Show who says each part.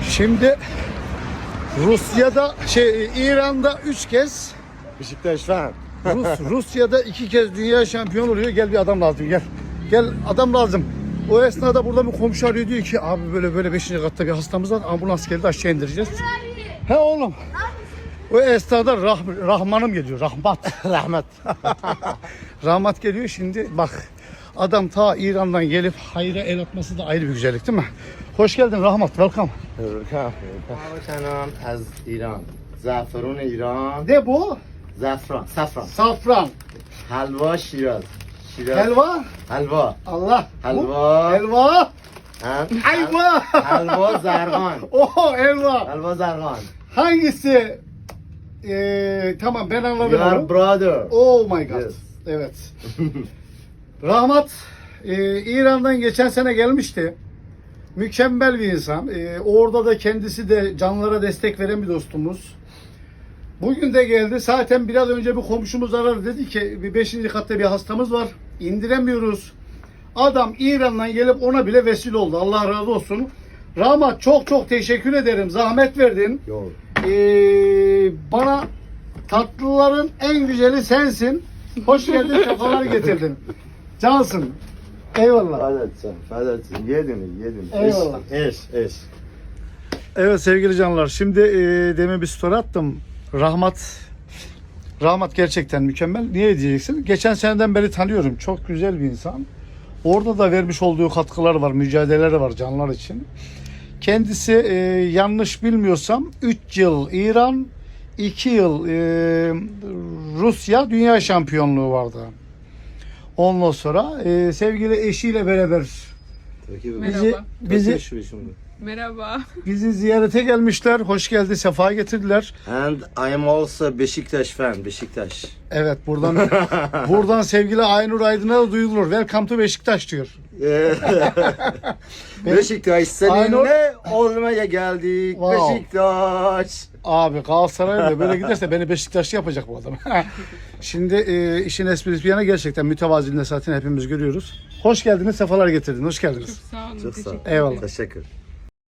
Speaker 1: Şimdi Rusya'da İran'da 3 kez
Speaker 2: Beşiktaş fan.
Speaker 1: Rusya'da 2 kez dünya şampiyonu oluyor. Gel bir adam lazım gel. Gel adam lazım. O esnada burada bir komşu arıyor diyor ki abi böyle 5. katta bir hastamız var. Ambulans geldi aşağı indireceğiz. He oğlum. O esnada Rahman'ım geliyor. Rahmat. Rahmat geliyor şimdi bak. Adam ta İran'dan gelip hayra el atması da ayrı bir güzellik değil mi? Hoş geldin Rahmat. Welcome.
Speaker 2: Selam az İran. Zaferun İran.
Speaker 1: Ne bu?
Speaker 2: Safran.
Speaker 1: Safran.
Speaker 2: Halva Şiraz.
Speaker 1: Helva.
Speaker 2: Halva.
Speaker 1: Allah.
Speaker 2: Helva.
Speaker 1: Helva. Ayva.
Speaker 2: Halva zargan.
Speaker 1: Oh helva.
Speaker 2: Halva zargan.
Speaker 1: Hangisi? Tamam ben anladım.
Speaker 2: Your brother.
Speaker 1: Oh my god.
Speaker 2: Yes.
Speaker 1: Evet. Rahmat İran'dan geçen sene gelmişti. Mükemmel bir insan. Orada da kendisi de canlara destek veren bir dostumuz. Bugün de geldi. Zaten biraz önce bir komşumuz aradı. Dedi ki bir 5. katta bir hastamız var. İndiremiyoruz. Adam İran'dan gelip ona bile vesile oldu. Allah razı olsun. Rahmat çok teşekkür ederim. Zahmet verdin.
Speaker 2: Yok.
Speaker 1: Bana tatlıların en güzeli sensin. Hoş geldin, kafalar getirdin. Cansın. Eyvallah.
Speaker 2: Fadatsın. Yedin.
Speaker 1: Eyvallah.
Speaker 2: Eş.
Speaker 1: Evet sevgili canlar. Şimdi demin bir story attım. Rahmat gerçekten mükemmel. Niye diyeceksin? Geçen seneden beri tanıyorum. Çok güzel bir insan. Orada da vermiş olduğu katkılar var, mücadeleleri var canlar için. Kendisi yanlış bilmiyorsam 3 yıl İran, 2 yıl Rusya dünya şampiyonluğu vardı. Ondan sonra sevgili eşiyle beraber
Speaker 3: Merhaba.
Speaker 1: bizi ziyarete gelmişler. Hoş geldi, sefa getirdiler.
Speaker 2: And I am also Beşiktaş fan. Beşiktaş.
Speaker 1: Evet buradan sevgili Aynur Aydın'a da duyulur. Welcome to Beşiktaş diyor.
Speaker 2: Beşiktaş seninle olmaya geldik.
Speaker 1: Wow.
Speaker 2: Beşiktaş.
Speaker 1: Abi Galatasaray'la böyle giderse beni Beşiktaşlı yapacak bu adam. Şimdi işin esprisi bir yana gerçekten mütevaziliğinde zaten hepimiz görüyoruz. Hoş geldiniz, sefalar getirdiniz. Hoş geldiniz.
Speaker 3: Sağ olun.
Speaker 2: Çok sağ ol.
Speaker 3: Teşekkür
Speaker 1: Eyvallah.
Speaker 2: Teşekkür.